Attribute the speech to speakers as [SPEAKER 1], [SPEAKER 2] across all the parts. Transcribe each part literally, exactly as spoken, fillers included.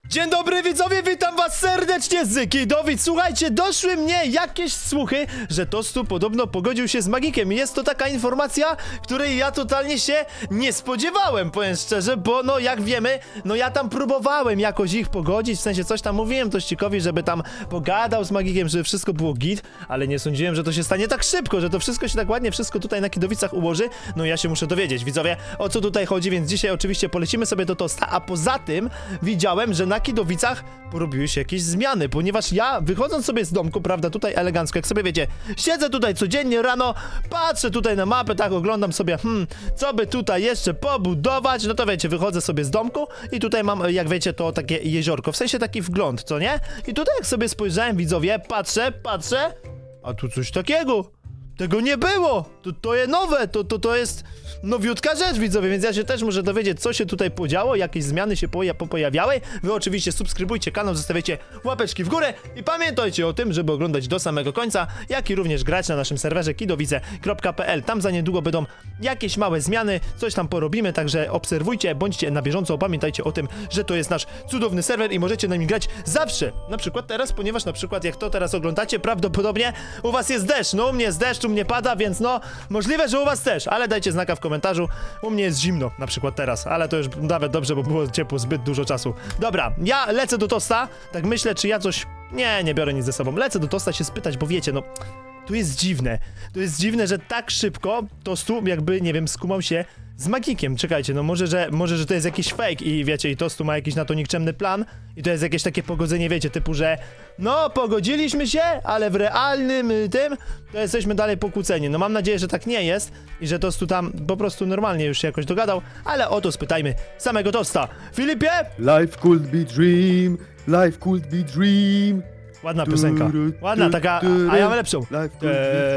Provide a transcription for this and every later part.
[SPEAKER 1] Dzień dobry widzowie, witam was serdecznie z Kidowic. Słuchajcie, doszły mnie jakieś słuchy, że Tostu podobno pogodził się z Magikiem. Jest to taka informacja, której ja totalnie się nie spodziewałem, powiem szczerze, bo no jak wiemy, no ja tam próbowałem jakoś ich pogodzić, w sensie coś tam mówiłem Tościkowi, żeby tam pogadał z Magikiem, żeby wszystko było git, ale nie sądziłem, że to się stanie tak szybko, że to wszystko się tak ładnie, wszystko tutaj na Kidowicach ułoży. No ja się muszę dowiedzieć, widzowie, o co tutaj chodzi, więc dzisiaj oczywiście polecimy sobie do Tosta, a poza tym widziałem, że na Kidowicach porobiły się jakieś zmiany, ponieważ ja wychodząc sobie z domku, prawda, tutaj elegancko, jak sobie wiecie, siedzę tutaj codziennie rano, patrzę tutaj na mapę, tak oglądam sobie, hmm, co by tutaj jeszcze pobudować, no to wiecie, wychodzę sobie z domku i tutaj mam, jak wiecie, to takie jeziorko, w sensie taki wgląd, co nie? I tutaj jak sobie spojrzałem, widzowie, patrzę, patrzę, a tu coś takiego. Tego nie było! To, to jest nowe, to, to, to jest nowiutka rzecz, widzowie, więc ja się też muszę dowiedzieć, co się tutaj podziało, jakieś zmiany się poja pojawiały. Wy oczywiście subskrybujcie kanał, zostawiacie łapeczki w górę i pamiętajcie o tym, żeby oglądać do samego końca, jak i również grać na naszym serwerze kidowice kropka p l. Tam za niedługo będą jakieś małe zmiany, coś tam porobimy, także obserwujcie, bądźcie na bieżąco, pamiętajcie o tym, że to jest nasz cudowny serwer i możecie na nim grać zawsze. Na przykład teraz, ponieważ na przykład jak to teraz oglądacie, prawdopodobnie u was jest deszcz, no u mnie jest deszcz, u mnie pada, więc no, możliwe, że u was też, ale dajcie znaka w komentarzu. U mnie jest zimno, na przykład teraz, ale to już nawet dobrze, bo było ciepło zbyt dużo czasu. Dobra, ja lecę do Tosta, tak myślę, czy ja coś... Nie, nie biorę nic ze sobą. Lecę do Tosta się spytać, bo wiecie, no... Tu jest dziwne. To jest dziwne, że tak szybko Tostu jakby, nie wiem, skumał się z Magikiem. Czekajcie, no może, że może, że to jest jakiś fake i wiecie, i Tostu ma jakiś na to nikczemny plan i to jest jakieś takie pogodzenie, wiecie, typu, że no, pogodziliśmy się, ale w realnym y, tym to jesteśmy dalej pokłóceni. No mam nadzieję, że tak nie jest i że Tostu tam po prostu normalnie już się jakoś dogadał, ale o to spytajmy samego Tosta. Filipie?
[SPEAKER 2] Life could be dream, life could be dream.
[SPEAKER 1] Ładna piosenka. Ładna, taka, a ja mam lepszą.
[SPEAKER 2] Life could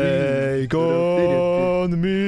[SPEAKER 2] be
[SPEAKER 1] Take on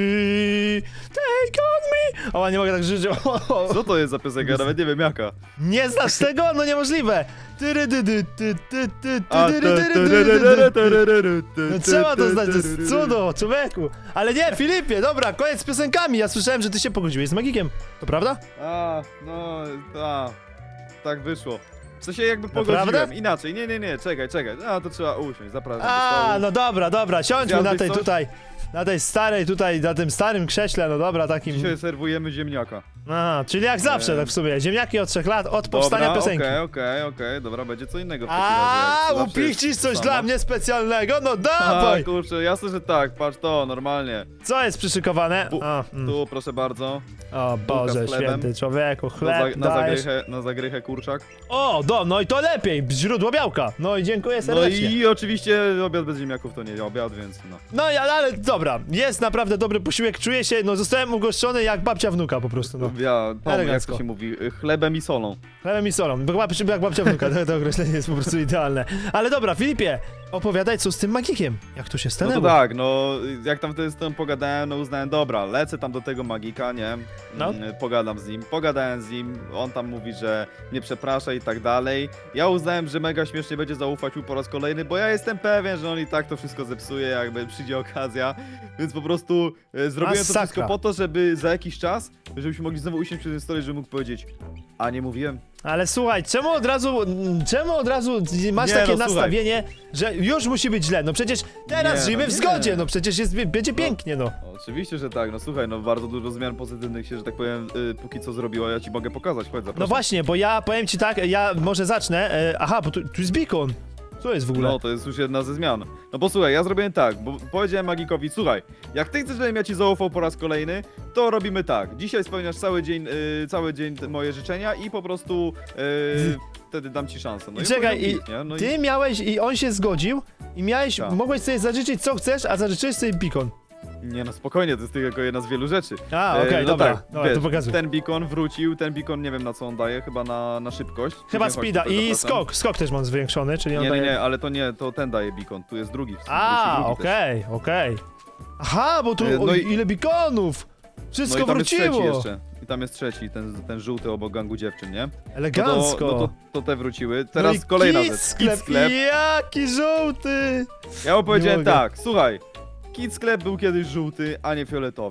[SPEAKER 1] me, take on me. O, nie mogę tak żyć.
[SPEAKER 2] Co to jest za piosenka? Nawet nie wiem jaka.
[SPEAKER 1] Nie znasz tego? No niemożliwe. Tyry, dy, dy, ty, ty, ty,
[SPEAKER 2] A,
[SPEAKER 1] ty, tyry, tyry, tyry, tyry, tyry. No trzeba to znać, to jest cudo, człowieku. Ale nie, Filipie, dobra, koniec z piosenkami. Ja słyszałem, że ty się pogodziłeś z Magikiem. To prawda?
[SPEAKER 2] A, no, a, tak wyszło. W sensie jakby
[SPEAKER 1] Naprawdę?
[SPEAKER 2] pogodziłem, inaczej, nie, nie, nie, czekaj, czekaj, a to trzeba usiąść, zapraszam.
[SPEAKER 1] A, no dobra, dobra, siądźmy na
[SPEAKER 2] Zjadłeś
[SPEAKER 1] tej
[SPEAKER 2] coś?
[SPEAKER 1] tutaj, na tej starej tutaj, na tym starym krześle, no dobra, takim...
[SPEAKER 2] Dzisiaj serwujemy ziemniaka.
[SPEAKER 1] Aha, czyli jak zawsze,
[SPEAKER 2] Eee.
[SPEAKER 1] tak w sumie, ziemniaki od trzech lat, od powstania
[SPEAKER 2] Dobra,
[SPEAKER 1] piosenki.
[SPEAKER 2] okej, okej, okej, dobra, będzie co innego w takim
[SPEAKER 1] A,
[SPEAKER 2] razie. jak zawsze
[SPEAKER 1] upichcisz
[SPEAKER 2] jest
[SPEAKER 1] coś
[SPEAKER 2] samo.
[SPEAKER 1] dla mnie specjalnego? No
[SPEAKER 2] A,
[SPEAKER 1] dawaj!
[SPEAKER 2] kurczę, jasne, że tak, patrz to, normalnie.
[SPEAKER 1] Co jest przyszykowane?
[SPEAKER 2] Bu-
[SPEAKER 1] A, mm.
[SPEAKER 2] Tu, proszę bardzo,
[SPEAKER 1] O Boże
[SPEAKER 2] z chlebem.
[SPEAKER 1] święty, człowieku,
[SPEAKER 2] na, za,
[SPEAKER 1] chleb
[SPEAKER 2] na,
[SPEAKER 1] dajesz.
[SPEAKER 2] zagrychę, na zagrychę kurczak.
[SPEAKER 1] O, do, no i to lepiej, źródło białka. No i dziękuję
[SPEAKER 2] No
[SPEAKER 1] serdecznie.
[SPEAKER 2] i oczywiście obiad bez ziemniaków to nie obiad, więc no.
[SPEAKER 1] No i ale dobra, jest naprawdę dobry posiłek, czuję się, no zostałem ugoszczony jak babcia wnuka po prostu, no.
[SPEAKER 2] Ja, Tom, jak
[SPEAKER 1] Elegancko.
[SPEAKER 2] to się mówi, chlebem i solą.
[SPEAKER 1] Chlebem i solą, bo babcia, jak babcia wnuka, to, to określenie jest po prostu idealne. Ale dobra, Filipie, opowiadaj co z tym Magikiem, jak to się
[SPEAKER 2] No
[SPEAKER 1] stanęło.
[SPEAKER 2] to tak, no jak tam wtedy z tym pogadałem, no uznałem, dobra, lecę tam do tego magika, nie?
[SPEAKER 1] No.
[SPEAKER 2] Mm, Pogadam z nim, pogadałem z nim, on tam mówi, że mnie przeprasza i tak dalej. Ja uznałem, że mega śmiesznie będzie zaufać mu po raz kolejny, bo ja jestem pewien, że on i tak to wszystko zepsuje, jakby przyjdzie okazja. Więc po prostu e, zrobiłem
[SPEAKER 1] Masakra.
[SPEAKER 2] to wszystko po to, żeby za jakiś czas, żebyśmy mogli znowu usiąść przy tym stole, żeby mógł powiedzieć, a nie mówiłem?
[SPEAKER 1] Ale słuchaj, czemu od razu, czemu od razu masz
[SPEAKER 2] Nie,
[SPEAKER 1] takie
[SPEAKER 2] no, słuchaj.
[SPEAKER 1] nastawienie, że już musi być źle? No przecież teraz
[SPEAKER 2] Nie,
[SPEAKER 1] żyjemy
[SPEAKER 2] no
[SPEAKER 1] w
[SPEAKER 2] nie.
[SPEAKER 1] zgodzie, no przecież jest, będzie pięknie, no.
[SPEAKER 2] Oczywiście, że tak, no słuchaj, no bardzo dużo zmian pozytywnych się, że tak powiem, y, póki co zrobiło, ja ci mogę pokazać, chodź, zapraszam.
[SPEAKER 1] No właśnie, bo ja powiem ci tak, ja może zacznę, e, aha, bo tu, tu jest beacon. Co jest w ogóle?
[SPEAKER 2] No, to jest już jedna ze zmian. No posłuchaj, ja zrobiłem tak, bo powiedziałem Magikowi, słuchaj, jak ty chcesz, żebym ja ci zaufał po raz kolejny, to robimy tak. Dzisiaj spełniasz cały dzień, y, cały dzień te moje życzenia i po prostu y, wtedy dam ci szansę. No
[SPEAKER 1] I czekaj,
[SPEAKER 2] powiedział
[SPEAKER 1] i
[SPEAKER 2] git, nie? No
[SPEAKER 1] ty miałeś, i on się zgodził, i miałeś,
[SPEAKER 2] Tak.
[SPEAKER 1] mogłeś sobie zażyczyć co chcesz, a zażyczyłeś sobie beacon.
[SPEAKER 2] Nie no, spokojnie, to jest tylko jedna z wielu rzeczy.
[SPEAKER 1] A,
[SPEAKER 2] E,
[SPEAKER 1] okej,
[SPEAKER 2] no
[SPEAKER 1] dobra,
[SPEAKER 2] tak,
[SPEAKER 1] dobra,
[SPEAKER 2] wiesz,
[SPEAKER 1] to pokazuj.
[SPEAKER 2] ten beacon wrócił, ten beacon nie wiem na co on daje, chyba na, na szybkość.
[SPEAKER 1] Chyba
[SPEAKER 2] Nie, chodź
[SPEAKER 1] speeda
[SPEAKER 2] tutaj,
[SPEAKER 1] i
[SPEAKER 2] zapraszam.
[SPEAKER 1] skok, skok też mam zwiększony, czyli on
[SPEAKER 2] Nie, nie,
[SPEAKER 1] daje...
[SPEAKER 2] nie, ale to nie, to ten daje beacon, tu jest drugi.
[SPEAKER 1] A,
[SPEAKER 2] wróci drugi też.
[SPEAKER 1] okej, okej. Aha, bo tu,
[SPEAKER 2] E, no
[SPEAKER 1] o,
[SPEAKER 2] i-
[SPEAKER 1] ile beaconów! Wszystko
[SPEAKER 2] No i tam
[SPEAKER 1] wróciło!
[SPEAKER 2] jest trzeci jeszcze. I tam jest trzeci, ten, ten żółty obok gangu dziewczyn, nie?
[SPEAKER 1] Elegancko!
[SPEAKER 2] No to, no to, to te wróciły. Teraz
[SPEAKER 1] no i
[SPEAKER 2] kolejna
[SPEAKER 1] Kid
[SPEAKER 2] rzecz.
[SPEAKER 1] sklep,
[SPEAKER 2] Kid sklep.
[SPEAKER 1] jaki żółty!
[SPEAKER 2] Ja mu powiedziałem
[SPEAKER 1] mogę.
[SPEAKER 2] tak, słuchaj. Kid sklep był kiedyś żółty, a nie fioletowy.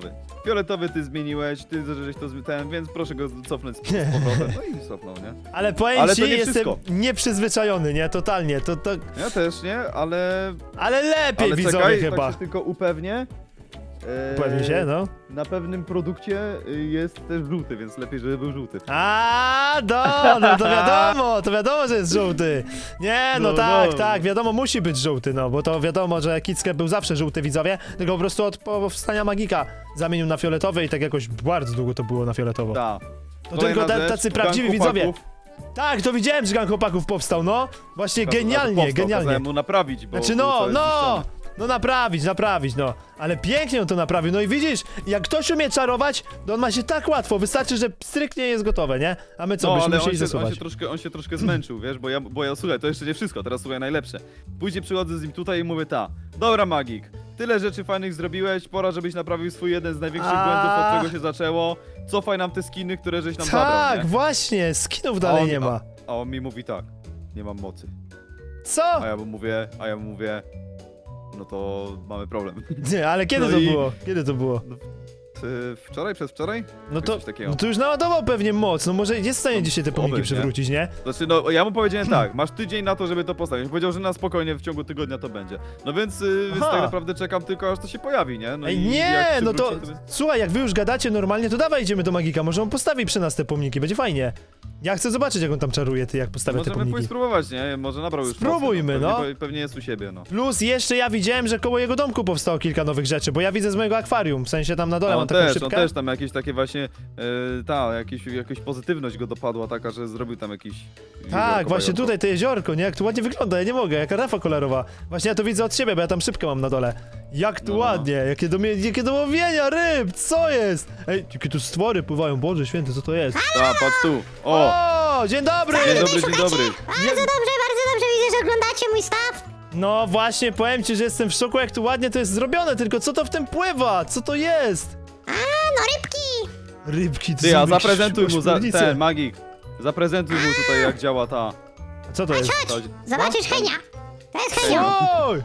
[SPEAKER 2] fioletowy ty zmieniłeś, ty żeś to zmi- ten, więc proszę go cofnąć z z powrotem. No i cofnął, nie?
[SPEAKER 1] Ale powiem
[SPEAKER 2] Ale
[SPEAKER 1] ci,
[SPEAKER 2] to nie
[SPEAKER 1] jestem
[SPEAKER 2] wszystko.
[SPEAKER 1] nieprzyzwyczajony, nie? Totalnie, to, to...
[SPEAKER 2] Ja też, nie? Ale...
[SPEAKER 1] Ale lepiej
[SPEAKER 2] Ale
[SPEAKER 1] widzowie
[SPEAKER 2] czekaj,
[SPEAKER 1] chyba.
[SPEAKER 2] tak się tylko upewnię. Eee,
[SPEAKER 1] Upewnij się, no.
[SPEAKER 2] Na pewnym produkcie y, jest też żółty, więc lepiej, żeby był żółty.
[SPEAKER 1] A, do, no to wiadomo, to wiadomo, że jest żółty. Nie, no,
[SPEAKER 2] No,
[SPEAKER 1] tak,
[SPEAKER 2] no.
[SPEAKER 1] tak, wiadomo, musi być żółty, no, bo to wiadomo, że Kickę był zawsze żółty, widzowie, tylko po prostu od powstania Magika zamienił na fioletowy i tak jakoś bardzo długo to było na fioletowo.
[SPEAKER 2] Tak.
[SPEAKER 1] To tylko ta, tacy prawdziwi widzowie. Tak, to widziałem, że gang chłopaków powstał, no. Właśnie genialnie, genialnie.
[SPEAKER 2] Kazałem mu naprawić, bo
[SPEAKER 1] Znaczy
[SPEAKER 2] był
[SPEAKER 1] no,
[SPEAKER 2] cały
[SPEAKER 1] no,
[SPEAKER 2] zniszczony.
[SPEAKER 1] no naprawić, naprawić, no. Ale pięknie on to naprawił, no i widzisz, jak ktoś umie czarować, to on ma się tak łatwo, wystarczy, że stryknie jest gotowe, nie? A my co,
[SPEAKER 2] No,
[SPEAKER 1] byśmy
[SPEAKER 2] ale on
[SPEAKER 1] musieli
[SPEAKER 2] się, on,
[SPEAKER 1] zasuwać.
[SPEAKER 2] się troszkę, on się troszkę zmęczył, wiesz, bo ja, bo ja, słuchaj, to jeszcze nie wszystko, teraz słuchaj najlepsze. Później przychodzę z nim tutaj i mówię, ta, dobra Magik, tyle rzeczy fajnych zrobiłeś, pora żebyś naprawił swój jeden z największych
[SPEAKER 1] A.
[SPEAKER 2] błędów, od czego się zaczęło. Cofaj nam te skiny, które żeś nam zabrał,
[SPEAKER 1] Tak,
[SPEAKER 2] nie?
[SPEAKER 1] właśnie, skinów
[SPEAKER 2] A
[SPEAKER 1] dalej
[SPEAKER 2] on-
[SPEAKER 1] nie ma.
[SPEAKER 2] A, a on mi mówi tak, nie mam mocy.
[SPEAKER 1] Co?
[SPEAKER 2] A ja mu mówię, a ja mu mówię, no to mamy problem.
[SPEAKER 1] Nie, ale kiedy
[SPEAKER 2] No
[SPEAKER 1] to
[SPEAKER 2] i-
[SPEAKER 1] było? Kiedy to było?
[SPEAKER 2] Ty wczoraj, przedwczoraj?
[SPEAKER 1] No to,
[SPEAKER 2] Coś takiego.
[SPEAKER 1] no to już naładował pewnie moc, no może jest w stanie
[SPEAKER 2] No,
[SPEAKER 1] dzisiaj te pomniki
[SPEAKER 2] oby, nie?
[SPEAKER 1] przywrócić, nie?
[SPEAKER 2] Znaczy, no ja mu powiedziałem tak, masz tydzień na to, żeby to postawić. Powiedział, że na spokojnie w ciągu tygodnia to będzie. No więc, y, więc
[SPEAKER 1] Aha.
[SPEAKER 2] tak naprawdę czekam tylko, aż to się pojawi, nie? No
[SPEAKER 1] Ej,
[SPEAKER 2] i
[SPEAKER 1] nie,
[SPEAKER 2] jak
[SPEAKER 1] no to,
[SPEAKER 2] przywróci,
[SPEAKER 1] słuchaj, jak wy już gadacie normalnie, to dawaj idziemy do Magika, może on postawi przy nas te pomniki, będzie fajnie. Ja chcę zobaczyć, jak on tam czaruje, ty, jak postawia te
[SPEAKER 2] Możemy
[SPEAKER 1] pomniki.
[SPEAKER 2] pójść spróbować, nie? Może nabrał już
[SPEAKER 1] Spróbujmy,
[SPEAKER 2] mocy,
[SPEAKER 1] no.
[SPEAKER 2] Pewnie, pewnie jest u siebie, no.
[SPEAKER 1] Plus jeszcze ja widziałem, że koło jego domku powstało kilka nowych rzeczy, bo ja widzę z mojego akwarium, w sensie tam na dole
[SPEAKER 2] A
[SPEAKER 1] mam
[SPEAKER 2] on
[SPEAKER 1] taką
[SPEAKER 2] też,
[SPEAKER 1] szybkę.
[SPEAKER 2] on też tam jakieś takie właśnie, e, ta, jakieś, jakaś pozytywność go dopadła taka, że zrobił tam jakiś...
[SPEAKER 1] Tak,
[SPEAKER 2] jeziorko
[SPEAKER 1] właśnie
[SPEAKER 2] bajowo.
[SPEAKER 1] tutaj to jeziorko, nie? Jak tu ładnie wygląda, ja nie mogę, jaka rafa kolorowa. Właśnie ja to widzę od siebie, bo ja tam szybkę mam na dole. Jak tu
[SPEAKER 2] No.
[SPEAKER 1] ładnie, jakie, domie, jakie dołowienia ryb, co jest? Ej, jakie tu stwory pływają, Boże święty, co to jest?
[SPEAKER 2] Ta, patrz tu. O!
[SPEAKER 1] O, dzień dobry!
[SPEAKER 2] Dzień dobry, dzień dobry.
[SPEAKER 3] Bardzo dobrze, bardzo dobrze widzę, że oglądacie mój staw.
[SPEAKER 1] No właśnie, powiem ci, że jestem w szoku, jak tu ładnie to jest zrobione, tylko co to w tym pływa? Co to jest?
[SPEAKER 3] A, no rybki.
[SPEAKER 1] Rybki, to
[SPEAKER 2] Ty,
[SPEAKER 1] są
[SPEAKER 2] a
[SPEAKER 1] jakieś
[SPEAKER 2] zaprezentuj mu za,
[SPEAKER 1] ośmiornice.
[SPEAKER 2] ten, Magik. Zaprezentuj mu tutaj, jak działa ta...
[SPEAKER 1] A co to jest?
[SPEAKER 2] ta
[SPEAKER 3] Zobaczysz
[SPEAKER 2] no,
[SPEAKER 3] Henia. To jest Henio.
[SPEAKER 1] Oj!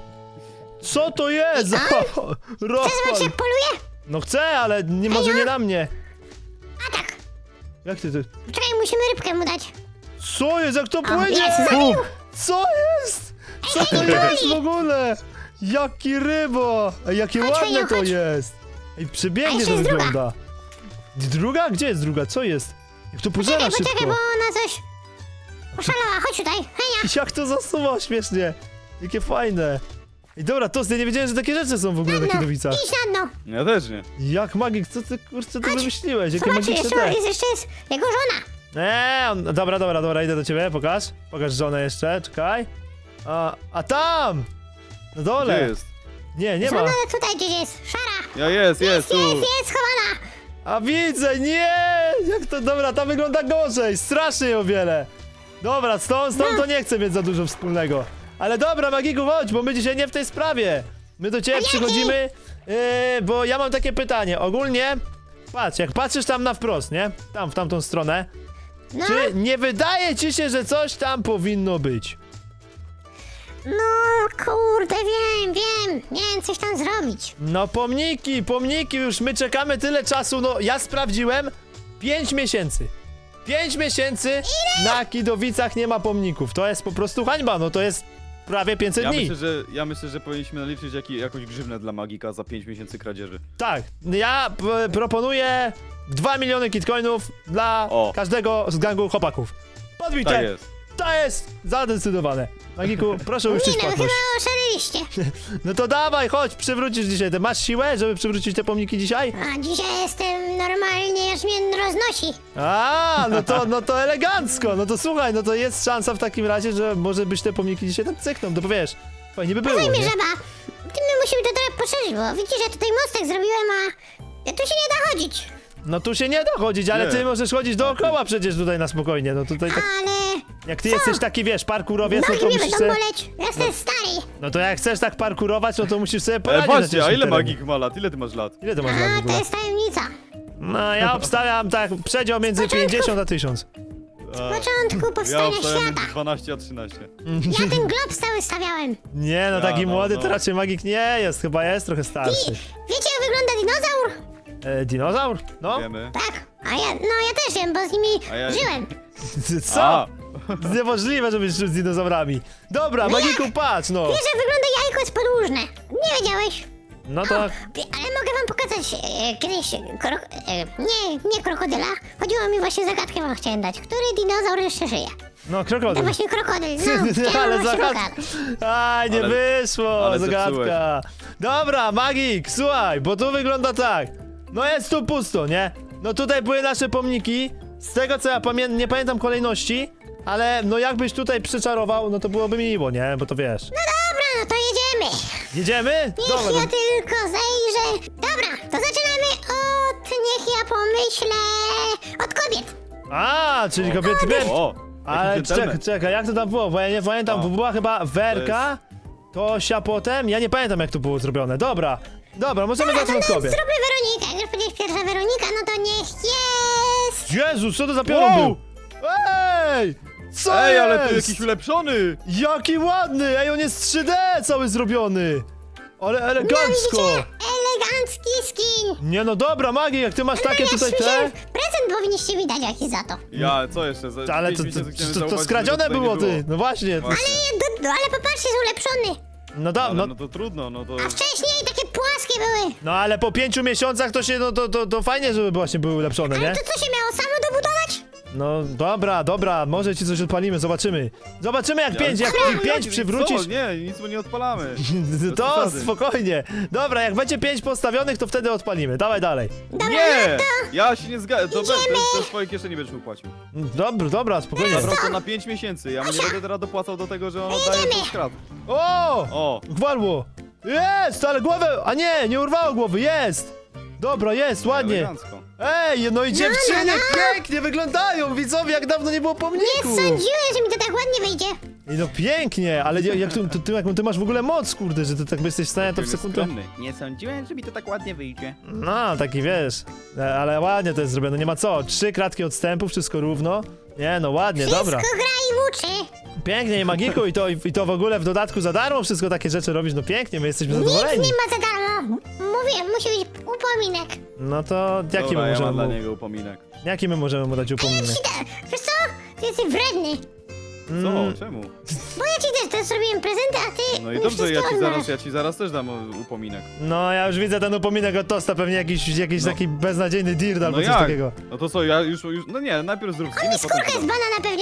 [SPEAKER 1] Co to jest?
[SPEAKER 3] Chcesz zobaczyć,
[SPEAKER 1] Rozpal!
[SPEAKER 3] jak poluje?
[SPEAKER 1] No chcę, ale nie, może nie na mnie.
[SPEAKER 3] A tak.
[SPEAKER 1] Jak ty to...
[SPEAKER 3] Czekaj, musimy rybkę mu dać.
[SPEAKER 1] Co jest? Jak to płynie?
[SPEAKER 3] jest, zabił.
[SPEAKER 1] Co jest? Co to jest w ogóle? Jaki rybo! Ej, jakie
[SPEAKER 3] Chodź,
[SPEAKER 1] ładne
[SPEAKER 3] Heniu,
[SPEAKER 1] to
[SPEAKER 3] chodź.
[SPEAKER 1] jest! Ej,
[SPEAKER 3] A
[SPEAKER 1] przebiegnie
[SPEAKER 3] jeszcze
[SPEAKER 1] to
[SPEAKER 3] jest druga.
[SPEAKER 1] wygląda. Druga? Gdzie jest druga? Co jest? Jak to pożera
[SPEAKER 3] Poczekaj,
[SPEAKER 1] szybko.
[SPEAKER 3] poczekaj, bo ona coś... Oszalała, chodź tutaj. Henia.
[SPEAKER 1] Jak to zasuwa śmiesznie. Jakie fajne. Ej, dobra, to ja nie wiedziałem, że takie rzeczy są w ogóle na
[SPEAKER 3] No,
[SPEAKER 1] Kidowicach.
[SPEAKER 3] idź na dno.
[SPEAKER 2] Ja też nie.
[SPEAKER 1] Jak magik, co ty kurczę to
[SPEAKER 3] Chodź.
[SPEAKER 1] wymyśliłeś? Jakie
[SPEAKER 3] Zobaczysz,
[SPEAKER 1] magiczne
[SPEAKER 3] jeszcze
[SPEAKER 1] te.
[SPEAKER 3] jest, jeszcze jest jego żona.
[SPEAKER 1] Eee, on- dobra, dobra, dobra, idę do ciebie, pokaż. Pokaż żonę jeszcze, czekaj. A, a tam! Na dole!
[SPEAKER 2] Gdzie jest?
[SPEAKER 1] Nie, nie ma.
[SPEAKER 3] Żona tutaj gdzieś jest. Szara.
[SPEAKER 2] Ja jest, jest, tu.
[SPEAKER 3] Jest, jest schowana.
[SPEAKER 1] A widzę, nie! Jak to, dobra, ta wygląda gorzej, strasznie o wiele. Dobra, z tą, z tą to nie chcę mieć za dużo wspólnego. Ale dobra, Magiku, chodź, bo my dzisiaj nie w tej sprawie. My do ciebie przychodzimy, yy, bo ja mam takie pytanie. Ogólnie, patrz, jak patrzysz tam na wprost, nie? Tam, w tamtą stronę.
[SPEAKER 3] No,
[SPEAKER 1] Czy nie wydaje ci się, że coś tam powinno być?
[SPEAKER 3] no kurde, wiem, wiem. Miałem coś tam zrobić.
[SPEAKER 1] No pomniki, pomniki, już my czekamy tyle czasu, no ja sprawdziłem, pięć miesięcy. Pięć miesięcy na Kidowicach nie ma pomników, to jest po prostu hańba, no to jest prawie pięćset
[SPEAKER 2] Ja
[SPEAKER 1] dni.
[SPEAKER 2] myślę, że, ja myślę, że powinniśmy naliczyć jaki, jakąś grzywnę dla Magika za pięć miesięcy kradzieży.
[SPEAKER 1] Tak, ja p- proponuję dwa miliony kitcoinów dla
[SPEAKER 2] O.
[SPEAKER 1] każdego z gangu chłopaków. Podbite,
[SPEAKER 2] Tak jest.
[SPEAKER 1] to jest zadecydowane. Magiku, proszę
[SPEAKER 3] Nie
[SPEAKER 1] uczcić
[SPEAKER 3] no, chyba
[SPEAKER 1] płatność.
[SPEAKER 3] oszaleliście.
[SPEAKER 1] No to dawaj, chodź, przywrócisz dzisiaj te. Masz siłę, żeby przywrócić te pomniki dzisiaj?
[SPEAKER 3] A dzisiaj jestem normalnie, aż mnie roznosi.
[SPEAKER 1] A, no to, no to elegancko, no to słuchaj, no to jest szansa w takim razie, że może być te pomniki dzisiaj tam cykną, to powiesz, fajnie by było,
[SPEAKER 3] Słuchaj mnie,
[SPEAKER 1] nie?
[SPEAKER 3] żaba. Ty my musimy to trochę poszerzyć, bo widzisz, że tutaj mostek zrobiłem, a ja tu się nie da chodzić.
[SPEAKER 1] No tu się nie da chodzić, ale
[SPEAKER 2] Nie.
[SPEAKER 1] ty możesz chodzić dookoła przecież tutaj na spokojnie, no tutaj tak,
[SPEAKER 3] Ale
[SPEAKER 1] jak ty jesteś taki, wiesz, parkurowiec, no
[SPEAKER 3] nogi
[SPEAKER 1] to
[SPEAKER 3] mnie
[SPEAKER 1] musisz
[SPEAKER 3] będą
[SPEAKER 1] sobie,
[SPEAKER 3] boleć. Ja jestem stary.
[SPEAKER 1] no to jak chcesz tak parkurować, no to musisz sobie
[SPEAKER 2] Ale
[SPEAKER 1] poradzić na
[SPEAKER 2] patrzcie, a
[SPEAKER 1] ciężkim
[SPEAKER 2] ile
[SPEAKER 1] terenie.
[SPEAKER 2] Magik ma lat? Ile ty masz lat?
[SPEAKER 1] Ile ty masz lat w
[SPEAKER 3] A, to
[SPEAKER 1] ogóle?
[SPEAKER 3] jest tajemnica.
[SPEAKER 1] No ja obstawiam tak, przedział między pięćdziesiąt a tysiąc.
[SPEAKER 3] W początku
[SPEAKER 2] Ja
[SPEAKER 3] powstania
[SPEAKER 2] obstawiam
[SPEAKER 3] świata.
[SPEAKER 2] między dwanaście a trzynaście.
[SPEAKER 3] Ja ten glob stały stawiałem.
[SPEAKER 1] Nie, no
[SPEAKER 2] Ja,
[SPEAKER 1] taki
[SPEAKER 2] no,
[SPEAKER 1] młody
[SPEAKER 2] no.
[SPEAKER 1] to raczej magik nie jest, chyba jest trochę starszy.
[SPEAKER 3] Wiecie, jak wygląda dinozaur?
[SPEAKER 1] E, dinozaur? No.
[SPEAKER 2] Wiemy.
[SPEAKER 3] Tak, a ja, no ja też wiem, bo z nimi
[SPEAKER 2] A ja-
[SPEAKER 3] żyłem.
[SPEAKER 1] Co?
[SPEAKER 2] A,
[SPEAKER 1] Niemożliwe, żebyś żył z dinozaurami. Dobra, Magiku, patrz, no.
[SPEAKER 3] Wiesz, że wygląda jajko jest podłużne. Nie wiedziałeś?
[SPEAKER 1] No tak.
[SPEAKER 3] Wie- Ale mogę wam pokazać e, kiedyś krok... E, nie, nie krokodyla. Chodziło mi właśnie zagadkę wam chciałem dać. Który dinozaur jeszcze żyje?
[SPEAKER 1] No,
[SPEAKER 3] To
[SPEAKER 1] krokodyl.
[SPEAKER 3] właśnie krokodyl. No, chciałem
[SPEAKER 1] Ale
[SPEAKER 3] wam właśnie
[SPEAKER 1] zagadka.
[SPEAKER 3] pokazać.
[SPEAKER 1] Aj, nie
[SPEAKER 2] Ale-
[SPEAKER 1] wyszło,
[SPEAKER 2] ale
[SPEAKER 1] zagadka. Dobra, Magik, słuchaj, bo tu wygląda tak. No jest tu pusto, nie? No tutaj były nasze pomniki. Z tego co ja pamiętam, nie pamiętam kolejności, ale no jakbyś tutaj przyczarował, no to byłoby miło, nie? Bo to wiesz.
[SPEAKER 3] No dobra, no to jedziemy.
[SPEAKER 1] Jedziemy?
[SPEAKER 3] Niech
[SPEAKER 1] Dobra,
[SPEAKER 3] ja
[SPEAKER 1] no,
[SPEAKER 3] tylko zejrzę. Dobra, to zaczynamy od... Niech ja pomyślę... Od kobiet.
[SPEAKER 1] a, czyli kobiety bier.
[SPEAKER 2] o,
[SPEAKER 1] Ale
[SPEAKER 2] jaki
[SPEAKER 1] czekaj,
[SPEAKER 2] dżentelmen.
[SPEAKER 1] czekaj, jak to tam było? Bo ja nie pamiętam,
[SPEAKER 2] O.
[SPEAKER 1] bo była chyba Werka, Tosia potem, ja nie pamiętam jak to było zrobione. Dobra, dobra, możemy
[SPEAKER 3] Dobra, to
[SPEAKER 1] zacząć od
[SPEAKER 3] no,
[SPEAKER 1] kobiet.
[SPEAKER 3] zróbmy Weronikę. Jak już powiedzieć pierwsza Weronika, no to niech jest...
[SPEAKER 1] Jezus, co to za piorun
[SPEAKER 2] Wow!
[SPEAKER 1] był? Ej! Co
[SPEAKER 2] Ej,
[SPEAKER 1] jest?
[SPEAKER 2] ale ty jakiś ulepszony!
[SPEAKER 1] Jaki ładny! Ej, on jest trzy D cały zrobiony! Ale elegancko!
[SPEAKER 3] No widzicie? Elegancki skin.
[SPEAKER 1] Nie no dobra, Magi, jak ty masz takie
[SPEAKER 3] Ja
[SPEAKER 1] tutaj te...
[SPEAKER 3] słyszałem, prezent powinniście mi dać jakiś za to.
[SPEAKER 2] Ja, co jeszcze? Za
[SPEAKER 1] Ale
[SPEAKER 2] pięć
[SPEAKER 1] to, to,
[SPEAKER 2] miesięcy chciałem
[SPEAKER 1] to, to, to
[SPEAKER 2] zauważyć,
[SPEAKER 1] skradzione
[SPEAKER 2] że tutaj
[SPEAKER 1] było,
[SPEAKER 2] nie
[SPEAKER 1] ty! No właśnie.
[SPEAKER 2] Właśnie.
[SPEAKER 3] Nie, do, do, ale popatrzcie, jest ulepszony.
[SPEAKER 1] No da,
[SPEAKER 2] Ale
[SPEAKER 1] no,
[SPEAKER 2] no to trudno, no to...
[SPEAKER 3] A wcześniej takie płaskie były.
[SPEAKER 1] no ale po pięciu miesiącach to się, no to, to, to fajnie, żeby właśnie były ulepszone, nie?
[SPEAKER 3] Ale to co się miało samo dobudować?
[SPEAKER 1] No dobra, dobra, może ci coś odpalimy, zobaczymy. Zobaczymy jak pięć, jak
[SPEAKER 2] Ale-
[SPEAKER 1] pięć przywrócisz.
[SPEAKER 2] Co? Nie, nic mu nie odpalamy. Bez
[SPEAKER 1] To
[SPEAKER 2] przesady.
[SPEAKER 1] spokojnie. Dobra, jak będzie pięć postawionych, to wtedy odpalimy. Dawaj dalej.
[SPEAKER 3] Dobra,
[SPEAKER 2] Nie!
[SPEAKER 3] no to...
[SPEAKER 2] Ja się nie zgadzam. To bez,
[SPEAKER 3] Idziemy.
[SPEAKER 2] to z twojej kieszeni będziesz mu płacił.
[SPEAKER 1] Dobra, dobra, spokojnie.
[SPEAKER 2] Po prostu na pięć miesięcy. Ja mu nie będę teraz dopłacał do tego, że on oddaje
[SPEAKER 3] Idziemy.
[SPEAKER 2] to skrat.
[SPEAKER 1] O!
[SPEAKER 2] O!
[SPEAKER 1] Gwarło! Jest, ale głowę... A nie, nie urwało głowy, jest! Dobra, jest, ładnie.
[SPEAKER 2] Elegancko.
[SPEAKER 1] Ej, no i dziewczyny
[SPEAKER 3] no, no.
[SPEAKER 1] pięknie wyglądają, widzowie, jak dawno nie było
[SPEAKER 3] Nie
[SPEAKER 1] pomniku.
[SPEAKER 3] sądziłem, że mi to tak ładnie wyjdzie.
[SPEAKER 1] Ej, no pięknie, ale jak, jak, ty, ty, jaką ty masz w ogóle moc, kurde, że ty tak jesteś w stanie to w
[SPEAKER 2] Jest
[SPEAKER 1] sekundę...
[SPEAKER 2] skromny. Nie sądziłem, że mi to tak ładnie wyjdzie.
[SPEAKER 1] No, taki wiesz, e, ale ładnie to jest zrobione, nie ma co. Trzy kratki odstępu, wszystko równo. Nie, no ładnie, dobra.
[SPEAKER 3] Wszystko gra i uczy.
[SPEAKER 1] Pięknie, i Magiku, i to, i to w ogóle w dodatku za darmo wszystko takie rzeczy robisz, no pięknie, my jesteśmy
[SPEAKER 3] Nic
[SPEAKER 1] zadowoleni.
[SPEAKER 3] nie ma za darmo. Mówię, musi być upominek.
[SPEAKER 1] No to jaki
[SPEAKER 2] Dobra,
[SPEAKER 1] my
[SPEAKER 2] ja mam
[SPEAKER 1] możemy
[SPEAKER 2] dla
[SPEAKER 1] mu,
[SPEAKER 2] niego upominek.
[SPEAKER 1] jaki my możemy mu dać
[SPEAKER 3] Ja
[SPEAKER 1] upominek?
[SPEAKER 3] ci da... Wiesz co? Ty jesteś wredny.
[SPEAKER 1] Mm.
[SPEAKER 2] Co? Czemu?
[SPEAKER 3] Bo ja ci też to zrobiłem prezenty, a ty
[SPEAKER 2] No i
[SPEAKER 3] mi
[SPEAKER 2] dobrze, ja
[SPEAKER 3] wszystko
[SPEAKER 2] ci zaraz,
[SPEAKER 3] odmawiasz.
[SPEAKER 2] ja ci zaraz też dam u- upominek.
[SPEAKER 1] No, ja już widzę ten upominek od Tosta, pewnie jakiś, jakiś
[SPEAKER 2] No.
[SPEAKER 1] taki beznadziejny dirt albo
[SPEAKER 2] No
[SPEAKER 1] coś
[SPEAKER 2] jak?
[SPEAKER 1] takiego.
[SPEAKER 2] No to co, ja już, już no nie, najpierw zrób skiny, potem
[SPEAKER 3] Skórkę
[SPEAKER 2] ci
[SPEAKER 3] z
[SPEAKER 2] dam.
[SPEAKER 3] banana pewnie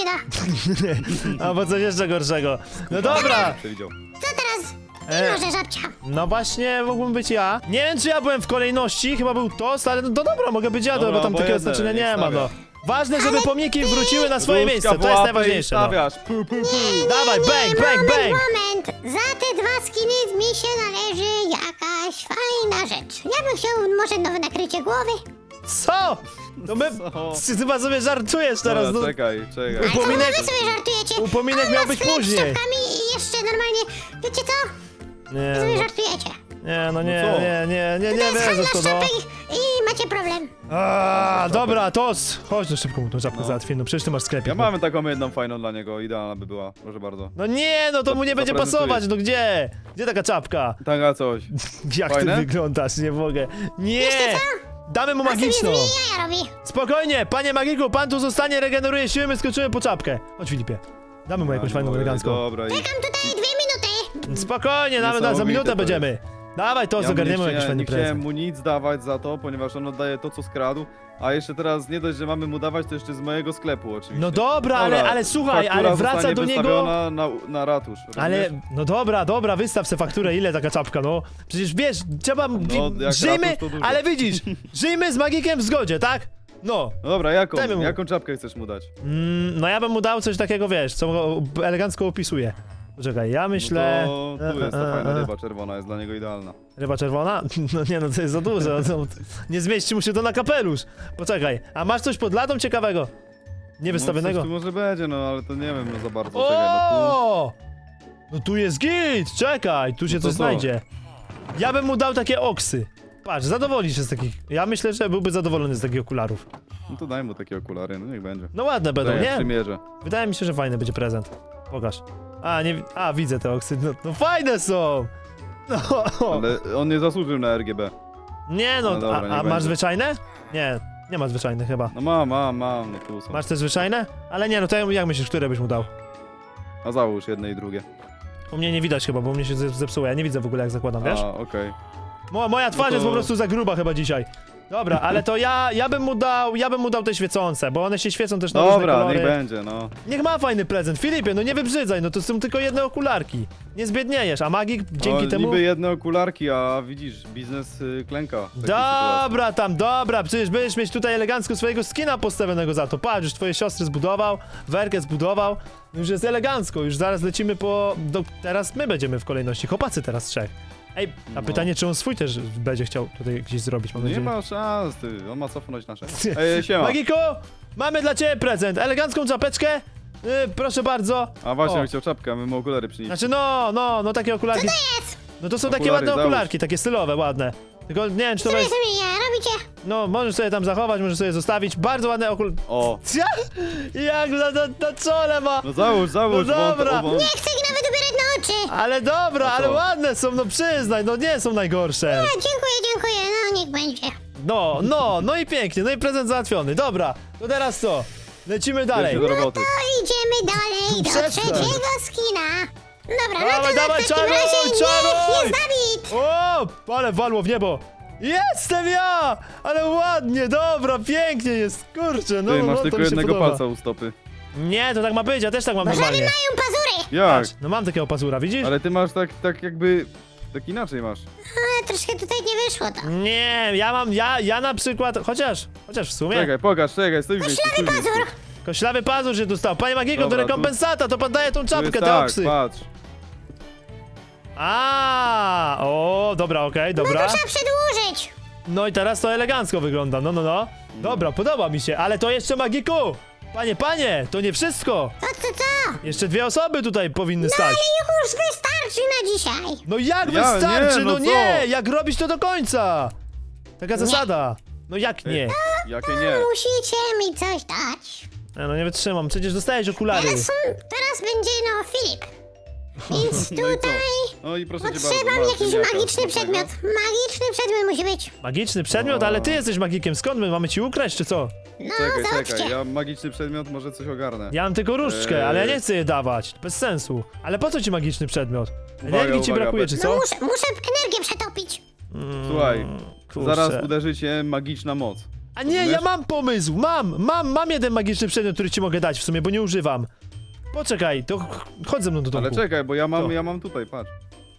[SPEAKER 3] da.
[SPEAKER 1] Albo coś jeszcze gorszego. No dobra,
[SPEAKER 2] Przewidział.
[SPEAKER 3] Co teraz?
[SPEAKER 1] E.
[SPEAKER 3] Ty może żabcia.
[SPEAKER 1] no właśnie mógłbym być ja. Nie wiem, czy ja byłem w kolejności, chyba był Tost, ale no, no dobra, mogę być ja,
[SPEAKER 2] Dobra,
[SPEAKER 1] bo tam takiego
[SPEAKER 2] obojętne,
[SPEAKER 1] znaczenia nie
[SPEAKER 2] niech
[SPEAKER 1] ma, no.
[SPEAKER 2] stawia.
[SPEAKER 1] Ważne, żeby pomniki wróciły na swoje
[SPEAKER 2] Ruska
[SPEAKER 1] miejsce,
[SPEAKER 2] w
[SPEAKER 1] to jest
[SPEAKER 2] łapę
[SPEAKER 1] najważniejsze,
[SPEAKER 2] i
[SPEAKER 1] no.
[SPEAKER 2] stawiasz. Pu, pu, pu.
[SPEAKER 1] Dawaj, bang, bang,
[SPEAKER 3] moment,
[SPEAKER 1] bang!
[SPEAKER 3] moment. Za te dwa skiny mi się należy jakaś fajna rzecz. Ja bym chciał może nowe nakrycie głowy.
[SPEAKER 1] Co? No my...
[SPEAKER 2] Co?
[SPEAKER 1] Ty chyba sobie żartujesz teraz,
[SPEAKER 2] Dobra,
[SPEAKER 1] no.
[SPEAKER 2] czekaj, czekaj.
[SPEAKER 3] Ale co
[SPEAKER 1] Upominek-
[SPEAKER 3] wy sobie żartujecie?
[SPEAKER 1] upominek
[SPEAKER 3] On
[SPEAKER 1] miał
[SPEAKER 3] ma
[SPEAKER 1] być
[SPEAKER 3] sklep z
[SPEAKER 1] później.
[SPEAKER 3] czapkami i jeszcze normalnie... Wiecie co?
[SPEAKER 1] Nie,
[SPEAKER 3] Wy sobie
[SPEAKER 1] no,
[SPEAKER 3] żartujecie.
[SPEAKER 1] nie, no nie,
[SPEAKER 2] No co?
[SPEAKER 1] nie, nie, nie,
[SPEAKER 3] To
[SPEAKER 1] nie
[SPEAKER 3] jest
[SPEAKER 1] wierzę
[SPEAKER 3] handlarz
[SPEAKER 1] w to, no.
[SPEAKER 3] czapek i macie problem.
[SPEAKER 1] A, dobra, Tos, chodź, no szybko mu tą czapkę
[SPEAKER 2] No.
[SPEAKER 1] załatwię, no przecież ty masz sklepik.
[SPEAKER 2] Ja
[SPEAKER 1] no.
[SPEAKER 2] mam taką jedną fajną dla niego, idealna by była, proszę bardzo.
[SPEAKER 1] No nie, no to mu nie będzie
[SPEAKER 2] zaprezentuję.
[SPEAKER 1] pasować, no gdzie? Gdzie taka czapka?
[SPEAKER 2] Taka coś.
[SPEAKER 1] Jak
[SPEAKER 2] Fajne?
[SPEAKER 1] ty wyglądasz, nie mogę. Nie!
[SPEAKER 3] Wiecie co?
[SPEAKER 1] Damy mu
[SPEAKER 3] On sobie z
[SPEAKER 1] magiczną.
[SPEAKER 3] nimi jaja robi.
[SPEAKER 1] Spokojnie, panie magiku, pan tu zostanie, regeneruje siły, my skoczymy po czapkę. Chodź, Filipie. Damy mu jakąś
[SPEAKER 2] Ja
[SPEAKER 1] fajną
[SPEAKER 2] nie mogę,
[SPEAKER 1] elegancką.
[SPEAKER 2] Dobra, i...
[SPEAKER 3] Czekam tutaj dwie minuty.
[SPEAKER 1] Spokojnie, damy, za
[SPEAKER 2] Niesamowite
[SPEAKER 1] minutę
[SPEAKER 2] to
[SPEAKER 1] będziemy. Dawaj, to
[SPEAKER 2] Ja mu nie,
[SPEAKER 1] zagarniemy jakiś
[SPEAKER 2] chciałem,
[SPEAKER 1] fajny
[SPEAKER 2] nie chciałem
[SPEAKER 1] prezent.
[SPEAKER 2] mu nic dawać za to, ponieważ on oddaje to, co skradł. A jeszcze teraz nie dość, że mamy mu dawać, to jeszcze z mojego sklepu oczywiście.
[SPEAKER 1] No dobra, ale, ale słuchaj,
[SPEAKER 2] faktura
[SPEAKER 1] ale wraca
[SPEAKER 2] zostanie
[SPEAKER 1] do niego...
[SPEAKER 2] wystawiona na, na ratusz.
[SPEAKER 1] Ale,
[SPEAKER 2] rozumiesz?
[SPEAKER 1] no dobra, dobra, wystaw se fakturę, ile taka czapka, no. Przecież wiesz, trzeba... wi-
[SPEAKER 2] jak
[SPEAKER 1] żyjmy,
[SPEAKER 2] ratusz, to dużo.
[SPEAKER 1] ale widzisz, żyjmy z magikiem w zgodzie, tak? No.
[SPEAKER 2] No dobra, jaką,
[SPEAKER 1] Dajmy mu.
[SPEAKER 2] jaką czapkę chcesz mu dać?
[SPEAKER 1] Mm, no ja bym mu dał coś takiego, wiesz, co go elegancko opisuje. Poczekaj, ja myślę...
[SPEAKER 2] No to tu jest ta
[SPEAKER 1] e, e,
[SPEAKER 2] fajna
[SPEAKER 1] e.
[SPEAKER 2] ryba czerwona, jest dla niego idealna.
[SPEAKER 1] Ryba czerwona? No nie, no to jest za dużo, no, nie zmieści mu się to na kapelusz. Poczekaj, a masz coś pod ladą ciekawego? Niewystawionego?
[SPEAKER 2] No, coś tu może będzie, no ale to nie wiem no za bardzo. Czekaj, no
[SPEAKER 1] O! No tu jest git, czekaj, tu się
[SPEAKER 2] No to
[SPEAKER 1] coś
[SPEAKER 2] co?
[SPEAKER 1] znajdzie. Ja bym mu dał takie oksy. Patrz, zadowoli się z takich. Ja myślę, że byłby zadowolony z takich okularów.
[SPEAKER 2] tu, no to daj mu takie okulary, no niech będzie.
[SPEAKER 1] No ładne będą,
[SPEAKER 2] Daj, ja
[SPEAKER 1] nie?
[SPEAKER 2] przymierzę.
[SPEAKER 1] Wydaje mi się, że fajny będzie prezent. Pokaż. A, nie, wi- a widzę te oksy, no, no fajne są! No,
[SPEAKER 2] Ale on nie zasłużył na R G B.
[SPEAKER 1] Nie no,
[SPEAKER 2] No dobra,
[SPEAKER 1] a,
[SPEAKER 2] niech
[SPEAKER 1] a masz
[SPEAKER 2] będzie.
[SPEAKER 1] zwyczajne? Nie, nie ma zwyczajnych chyba.
[SPEAKER 2] No mam, mam, mam, no tu są.
[SPEAKER 1] Masz te zwyczajne? Ale nie, no to jak myślisz, które byś mu dał?
[SPEAKER 2] A załóż jedne i drugie.
[SPEAKER 1] U mnie nie widać chyba, bo u mnie się ze- zepsuło, ja nie widzę w ogóle jak zakładam, wiesz?
[SPEAKER 2] A, okej.
[SPEAKER 1] Mo, moja twarz
[SPEAKER 2] No to-
[SPEAKER 1] jest po prostu za gruba chyba dzisiaj. Dobra, ale to ja, ja bym mu dał, ja bym mu dał te świecące, bo one się świecą też na różne
[SPEAKER 2] Dobra,
[SPEAKER 1] kolory.
[SPEAKER 2] niech będzie, no.
[SPEAKER 1] Niech ma fajny prezent. Filipie, no nie wybrzydzaj, no to są tylko jedne okularki. Nie zbiedniejesz, a magik dzięki
[SPEAKER 2] o,
[SPEAKER 1] temu...
[SPEAKER 2] Niby jedne okularki, a widzisz, biznes y, klęka. w takiej sytuacji.
[SPEAKER 1] Dobra, tam, dobra, przecież będziesz mieć tutaj elegancko swojego skina postawionego za to. Patrz, już twoje siostry zbudował, Werkę zbudował, już jest elegancko, już zaraz lecimy po... Do... Teraz my będziemy w kolejności, chłopacy teraz trzech. Ej, a
[SPEAKER 2] No.
[SPEAKER 1] pytanie, czy on swój też będzie chciał tutaj gdzieś zrobić, mam
[SPEAKER 2] Nie
[SPEAKER 1] nadzieję.
[SPEAKER 2] ma szans, ty, on ma cofnąć nasze. Ej, siema.
[SPEAKER 1] Magiko, mamy dla ciebie prezent, elegancką czapeczkę, yy, proszę bardzo.
[SPEAKER 2] A właśnie,
[SPEAKER 1] O.
[SPEAKER 2] on chciał czapkę, a my mu okulary przynieść.
[SPEAKER 1] Znaczy no, no, no takie okularki.
[SPEAKER 3] Jest!
[SPEAKER 1] No to są takie
[SPEAKER 2] Okulary,
[SPEAKER 1] ładne
[SPEAKER 2] załóż.
[SPEAKER 1] okularki, takie stylowe, ładne. Tylko nie wiem, czy to
[SPEAKER 3] Co wy
[SPEAKER 1] jest...
[SPEAKER 3] sobie nie robicie?
[SPEAKER 1] No, możesz sobie tam zachować, możesz sobie zostawić. Bardzo ładne okul...
[SPEAKER 2] O,
[SPEAKER 1] Jak na, na, na czole ma!
[SPEAKER 2] no załóż, załóż,
[SPEAKER 1] No
[SPEAKER 2] bo on-
[SPEAKER 1] dobra.
[SPEAKER 2] bo on-
[SPEAKER 3] Nie chcę ich nawet ubierać na oczy!
[SPEAKER 1] Ale dobra,
[SPEAKER 2] No co?
[SPEAKER 1] ale ładne są, no przyznaj, no nie są najgorsze.
[SPEAKER 3] A, dziękuję, dziękuję, no niech będzie.
[SPEAKER 1] No, no, no i pięknie, no i prezent załatwiony. Dobra, to teraz co? Lecimy dalej.
[SPEAKER 2] Bierz się do roboty.
[SPEAKER 3] To idziemy dalej do
[SPEAKER 1] Przestań.
[SPEAKER 3] trzeciego skina. Dobra, no
[SPEAKER 1] Dawaj,
[SPEAKER 3] to
[SPEAKER 1] dawaj,
[SPEAKER 3] w takim
[SPEAKER 1] czaruj,
[SPEAKER 3] razie
[SPEAKER 1] czaruj!
[SPEAKER 3] niech jest Dawid!
[SPEAKER 1] O, ale walło w niebo. Jestem ja! Ale ładnie, dobra, pięknie jest, kurczę, no,
[SPEAKER 2] Ty,
[SPEAKER 1] no
[SPEAKER 2] masz
[SPEAKER 1] to
[SPEAKER 2] tylko
[SPEAKER 1] mi się
[SPEAKER 2] jednego
[SPEAKER 1] podoba.
[SPEAKER 2] palca u stopy.
[SPEAKER 1] Nie, to tak ma być, ja też tak mam
[SPEAKER 3] Żaby
[SPEAKER 1] normalnie.
[SPEAKER 3] mają pazury!
[SPEAKER 2] Jak?
[SPEAKER 1] Patrz, no mam takiego pazura, widzisz?
[SPEAKER 2] Ale ty masz tak, tak jakby... Tak inaczej masz.
[SPEAKER 3] A, troszkę tutaj nie wyszło to.
[SPEAKER 1] Nie, ja mam, ja, ja na przykład, chociaż, chociaż w sumie,
[SPEAKER 2] Czekaj, pokaż, czekaj, stój w miejscu, stój w miejscu.
[SPEAKER 3] Pazur!
[SPEAKER 1] koślawy pazur się dostał. Panie Magiko, to
[SPEAKER 2] Dobra, tu-
[SPEAKER 1] rekompensata, to pan daje tą
[SPEAKER 2] Tu
[SPEAKER 1] czapkę,
[SPEAKER 2] jest
[SPEAKER 1] te
[SPEAKER 2] tak,
[SPEAKER 1] oksy.
[SPEAKER 2] patrz.
[SPEAKER 1] A, o, dobra, okej, dobra.
[SPEAKER 3] Trzeba przedłużyć!
[SPEAKER 1] No i teraz to elegancko wygląda, no, no, no. Dobra, podoba mi się, ale to jeszcze Magiku. Panie, panie, to nie wszystko.
[SPEAKER 3] To co, co?
[SPEAKER 1] Jeszcze dwie osoby tutaj powinny stać.
[SPEAKER 3] Już wystarczy na dzisiaj!
[SPEAKER 1] No jak
[SPEAKER 2] Ja-
[SPEAKER 1] wystarczy,
[SPEAKER 2] nie,
[SPEAKER 1] no
[SPEAKER 2] no
[SPEAKER 1] nie,
[SPEAKER 2] co?
[SPEAKER 1] jak robić to do końca. Taka zasada. No jak nie?
[SPEAKER 2] Jakie nie?
[SPEAKER 3] Musicie mi coś dać.
[SPEAKER 1] E, No nie wytrzymam, przecież dostajesz okulary.
[SPEAKER 3] Teraz, są, teraz będzie, no, Filip. Więc
[SPEAKER 2] No i co?
[SPEAKER 3] tutaj
[SPEAKER 2] No i proszę cię bardzo,
[SPEAKER 3] potrzebam
[SPEAKER 2] masz
[SPEAKER 3] jakiś
[SPEAKER 2] ziemniaka
[SPEAKER 3] magiczny
[SPEAKER 2] smacznego.
[SPEAKER 3] przedmiot. Magiczny przedmiot musi być.
[SPEAKER 1] Magiczny przedmiot, ale ty jesteś magikiem, skąd my mamy ci ukraść, czy co?
[SPEAKER 3] No,
[SPEAKER 2] Czekaj,
[SPEAKER 3] zobaczcie.
[SPEAKER 2] czekaj, ja magiczny przedmiot, może coś ogarnę.
[SPEAKER 1] Ja mam tylko różdżkę,
[SPEAKER 2] Eee.
[SPEAKER 1] ale ja nie chcę je dawać, bez sensu. Ale po co ci magiczny przedmiot?
[SPEAKER 2] Uwaga,
[SPEAKER 1] Energii ci
[SPEAKER 2] uwaga,
[SPEAKER 1] brakuje,
[SPEAKER 2] bez-
[SPEAKER 1] czy
[SPEAKER 3] No
[SPEAKER 1] co?
[SPEAKER 3] muszę, muszę energię przetopić.
[SPEAKER 2] Słuchaj,
[SPEAKER 1] Mm, kurczę.
[SPEAKER 2] zaraz uderzy cię magiczna moc.
[SPEAKER 1] A nie, ja
[SPEAKER 2] Rozumiesz?
[SPEAKER 1] mam pomysł, mam, mam, mam jeden magiczny przedmiot, który ci mogę dać w sumie, bo nie używam. Poczekaj, to ch- chodź ze mną do domku.
[SPEAKER 2] Ale czekaj, bo ja mam,
[SPEAKER 1] Co?
[SPEAKER 2] ja mam tutaj, patrz.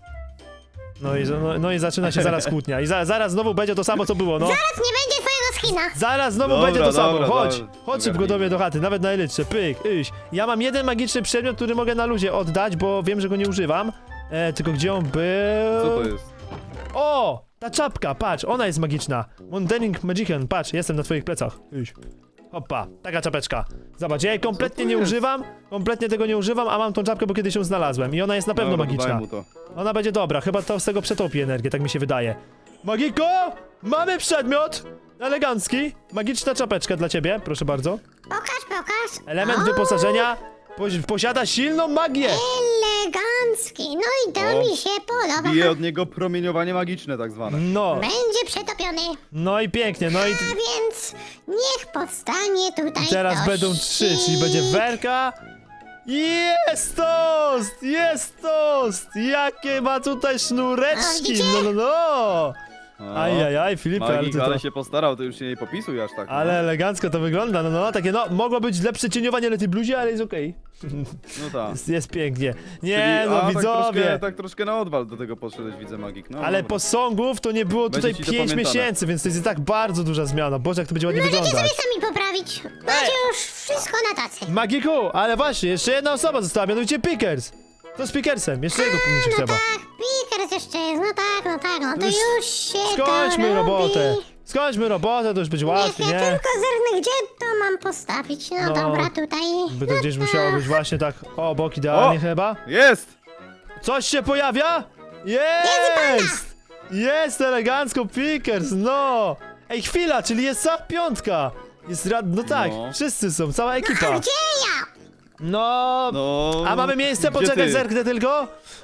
[SPEAKER 1] No i, no, no i zaczyna się zaraz kłótnia. I za, zaraz znowu będzie to samo, co było, no.
[SPEAKER 3] Zaraz nie będzie twojego skina.
[SPEAKER 1] Zaraz znowu
[SPEAKER 2] Dobra,
[SPEAKER 1] będzie to samo.
[SPEAKER 2] dobra,
[SPEAKER 1] Chodź,
[SPEAKER 2] dobra.
[SPEAKER 1] chodź szybko do mnie do chaty, nawet na elytrze. Pyk, iść. Ja mam jeden magiczny przedmiot, który mogę na luzie oddać, bo wiem, że go nie używam. E, tylko gdzie on był?
[SPEAKER 2] Co to jest?
[SPEAKER 1] O! Ta czapka, patrz, ona jest magiczna. Mundering Magician, patrz, jestem na twoich plecach. Iść. Hoppa, taka czapeczka. Zobacz, ja jej kompletnie
[SPEAKER 2] to
[SPEAKER 1] nie
[SPEAKER 2] jest?
[SPEAKER 1] używam, kompletnie tego nie używam, a mam tą czapkę, bo kiedyś ją znalazłem. I ona jest na pewno
[SPEAKER 2] Dobra,
[SPEAKER 1] magiczna.
[SPEAKER 2] daj mu to.
[SPEAKER 1] Ona będzie dobra, chyba to z tego przetopi energię, tak mi się wydaje. Magiko! Mamy przedmiot! Elegancki, magiczna czapeczka dla ciebie, proszę bardzo.
[SPEAKER 3] Pokaż, pokaż.
[SPEAKER 1] Element
[SPEAKER 3] O,
[SPEAKER 1] wyposażenia posi- posiada silną magię.
[SPEAKER 3] Elegancki. No i to
[SPEAKER 2] O,
[SPEAKER 3] mi się podoba.
[SPEAKER 2] Bije od niego promieniowanie magiczne tak zwane.
[SPEAKER 1] No,
[SPEAKER 3] Będzie przetopiony.
[SPEAKER 1] no i pięknie, no i
[SPEAKER 3] A więc niech powstanie tutaj
[SPEAKER 1] teraz
[SPEAKER 3] to
[SPEAKER 1] będą trzy, czyli będzie werka. Jest tost! Jest tost! Jakie ma tutaj
[SPEAKER 3] A,
[SPEAKER 1] sznureczki!
[SPEAKER 3] widzicie?
[SPEAKER 1] No, no, no!
[SPEAKER 2] No.
[SPEAKER 1] Ajajaj, Filipie, ale
[SPEAKER 2] Magik,
[SPEAKER 1] ty
[SPEAKER 2] ale
[SPEAKER 1] to...
[SPEAKER 2] się postarał, to już się nie popisuj aż tak. no.
[SPEAKER 1] Ale elegancko to wygląda, no, no, takie no, mogło być lepsze cieniowanie na tej bluzie, ale jest okej.
[SPEAKER 2] No tak.
[SPEAKER 1] Jest, jest pięknie. Nie,
[SPEAKER 2] Czyli-
[SPEAKER 1] no,
[SPEAKER 2] a, tak
[SPEAKER 1] widzowie!
[SPEAKER 2] troszkę, tak troszkę na odwal do tego podszedłeś, widzę Magik. No,
[SPEAKER 1] Ale
[SPEAKER 2] dobra.
[SPEAKER 1] posągów to nie było
[SPEAKER 2] Będzie
[SPEAKER 1] tutaj
[SPEAKER 2] ci to
[SPEAKER 1] pięć
[SPEAKER 2] pamiętane.
[SPEAKER 1] miesięcy, więc to jest i tak bardzo duża zmiana. Boże, jak to będzie ładnie
[SPEAKER 3] Możecie
[SPEAKER 1] wyglądać.
[SPEAKER 3] sobie sami poprawić. Macie już wszystko na tacy.
[SPEAKER 1] Magiku, ale właśnie, jeszcze jedna osoba została, mianowicie Pickers. To z Pickersem, jeszcze jego pomniejszy
[SPEAKER 3] No
[SPEAKER 1] trzeba.
[SPEAKER 3] tak, Pickers jeszcze jest. No tak, no tak, no to
[SPEAKER 1] Już
[SPEAKER 3] już się
[SPEAKER 1] Skończmy
[SPEAKER 3] to
[SPEAKER 1] robotę.
[SPEAKER 3] robi.
[SPEAKER 1] Skończmy robotę, to już będzie
[SPEAKER 3] Niech
[SPEAKER 1] łatwiej,
[SPEAKER 3] ja
[SPEAKER 1] nie?
[SPEAKER 3] tylko zerknę, gdzie to mam postawić. No,
[SPEAKER 1] No,
[SPEAKER 3] dobra, tutaj.
[SPEAKER 1] By to
[SPEAKER 3] No
[SPEAKER 1] gdzieś
[SPEAKER 3] tak.
[SPEAKER 1] musiało być właśnie tak obok idealnie
[SPEAKER 2] O!
[SPEAKER 1] chyba.
[SPEAKER 2] Jest!
[SPEAKER 1] Coś się pojawia? Jest! Jest elegancko Pickers, no! Ej, chwila, czyli jest cała piątka. Jest rad... No tak,
[SPEAKER 2] No.
[SPEAKER 1] wszyscy są, cała
[SPEAKER 3] A
[SPEAKER 1] ekipa.
[SPEAKER 3] gdzie ja?
[SPEAKER 1] No...
[SPEAKER 2] No.
[SPEAKER 1] A mamy miejsce?
[SPEAKER 2] gdzie
[SPEAKER 1] Poczekaj,
[SPEAKER 2] ty?
[SPEAKER 1] zerknę tylko.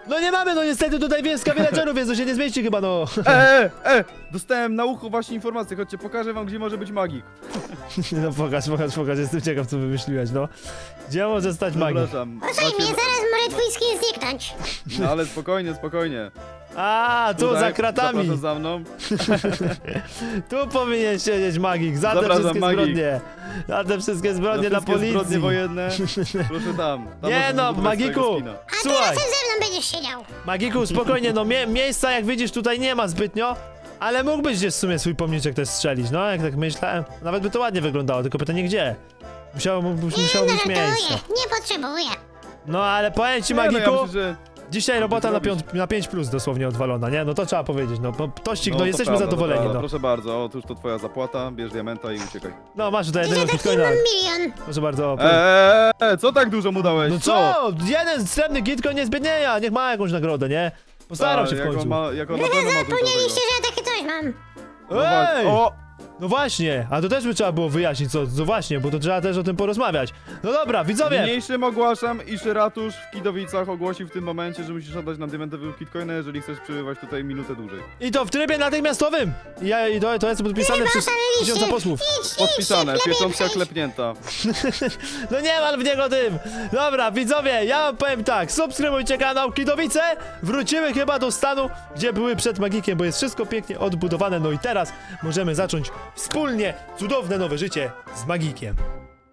[SPEAKER 1] No nie mamy, no niestety tutaj wieska villagerów jest, to się nie zmieści chyba, no.
[SPEAKER 2] E, e, e! Dostałem na ucho właśnie informację, chodźcie, pokażę wam, gdzie może być magik.
[SPEAKER 1] No pokaż, pokaż, pokaż, jestem ciekaw, co wymyśliłeś, no. Gdzie może stać magik?
[SPEAKER 2] Zapraszam.
[SPEAKER 3] Posłuchaj mnie,
[SPEAKER 2] Macie-
[SPEAKER 3] zaraz może twój skin zniknąć.
[SPEAKER 2] No ale spokojnie, spokojnie.
[SPEAKER 1] A, tu
[SPEAKER 2] Tutaj,
[SPEAKER 1] za kratami.
[SPEAKER 2] Zapraszam za mną.
[SPEAKER 1] Tu powinien siedzieć magik, za te
[SPEAKER 2] Zapraszam,
[SPEAKER 1] wszystkie
[SPEAKER 2] magik.
[SPEAKER 1] zbrodnie. Za te wszystkie zbrodnie na
[SPEAKER 2] wszystkie
[SPEAKER 1] policji.
[SPEAKER 2] zbrodnie wojenne. Proszę tam. tam
[SPEAKER 1] Nie
[SPEAKER 2] możesz
[SPEAKER 1] no,
[SPEAKER 2] zbudować
[SPEAKER 1] Magiku!
[SPEAKER 2] swojego skina.
[SPEAKER 3] A ty
[SPEAKER 1] Słuchaj,
[SPEAKER 3] razem ze mną będziesz siedział.
[SPEAKER 1] Magiku, spokojnie, no mie miejsca jak widzisz tutaj nie ma zbytnio, ale mógłbyś gdzieś w sumie swój pomniczek też strzelić, no jak tak myślałem. Nawet by to ładnie wyglądało, tylko pytanie gdzie? Musiało, mógłbyś,
[SPEAKER 3] Nie,
[SPEAKER 1] musiało
[SPEAKER 3] no
[SPEAKER 1] być miejsce.
[SPEAKER 3] żartuję, nie potrzebuję.
[SPEAKER 1] No ale powiem ci,
[SPEAKER 2] Nie, no,
[SPEAKER 1] Magiku,
[SPEAKER 2] ja myślę, że...
[SPEAKER 1] dzisiaj robota na,
[SPEAKER 2] zrobić.
[SPEAKER 1] piąt, na pięć plus dosłownie odwalona, nie? No to trzeba powiedzieć, no bo tościk, no,
[SPEAKER 2] to
[SPEAKER 1] jesteśmy
[SPEAKER 2] prawda, to
[SPEAKER 1] zadowoleni,
[SPEAKER 2] prawda.
[SPEAKER 1] no.
[SPEAKER 2] Proszę bardzo, otóż to twoja zapłata, bierz diamenta i uciekaj.
[SPEAKER 1] No masz tutaj
[SPEAKER 3] Dzisiaj
[SPEAKER 1] jednego
[SPEAKER 3] taki
[SPEAKER 1] bitcoina,
[SPEAKER 3] mam milion.
[SPEAKER 1] proszę bardzo.
[SPEAKER 2] Eee, e, co tak dużo mu dałeś?
[SPEAKER 1] No co? Jeden srebrny gitcoin nie zbiednieja, niech ma jakąś nagrodę, nie? Postarał się w
[SPEAKER 2] jak on
[SPEAKER 1] końcu.
[SPEAKER 2] ma, jak on na pewno ma dużo tego.
[SPEAKER 3] Zapomnieliście, że ja takie coś mam.
[SPEAKER 2] No wa-
[SPEAKER 1] Ej!
[SPEAKER 2] O!
[SPEAKER 1] No właśnie, a to też by trzeba było wyjaśnić, co, co właśnie, bo to trzeba też o tym porozmawiać. No dobra, widzowie!
[SPEAKER 2] Niniejszym ogłaszam, iż ratusz w Kidowicach ogłosił w tym momencie, że musisz oddać nam diamentowy kitcoina, jeżeli chcesz przebywać tutaj minutę dłużej.
[SPEAKER 1] I to w trybie natychmiastowym! I Ja, i to, to jest podpisane przez
[SPEAKER 3] Oszaleliście.
[SPEAKER 1] tysiąca posłów.
[SPEAKER 3] Idź, idź,
[SPEAKER 2] Podpisane,
[SPEAKER 3] lepiej
[SPEAKER 2] pieczątka
[SPEAKER 3] przejdź.
[SPEAKER 2] klepnięta.
[SPEAKER 1] No nie mal w niego tym! Dobra, widzowie, ja wam powiem tak, subskrybujcie kanał Kidowice, wrócimy chyba do stanu, gdzie były przed Magikiem, bo jest wszystko pięknie odbudowane, no i teraz możemy zacząć wspólnie cudowne nowe życie z Magikiem.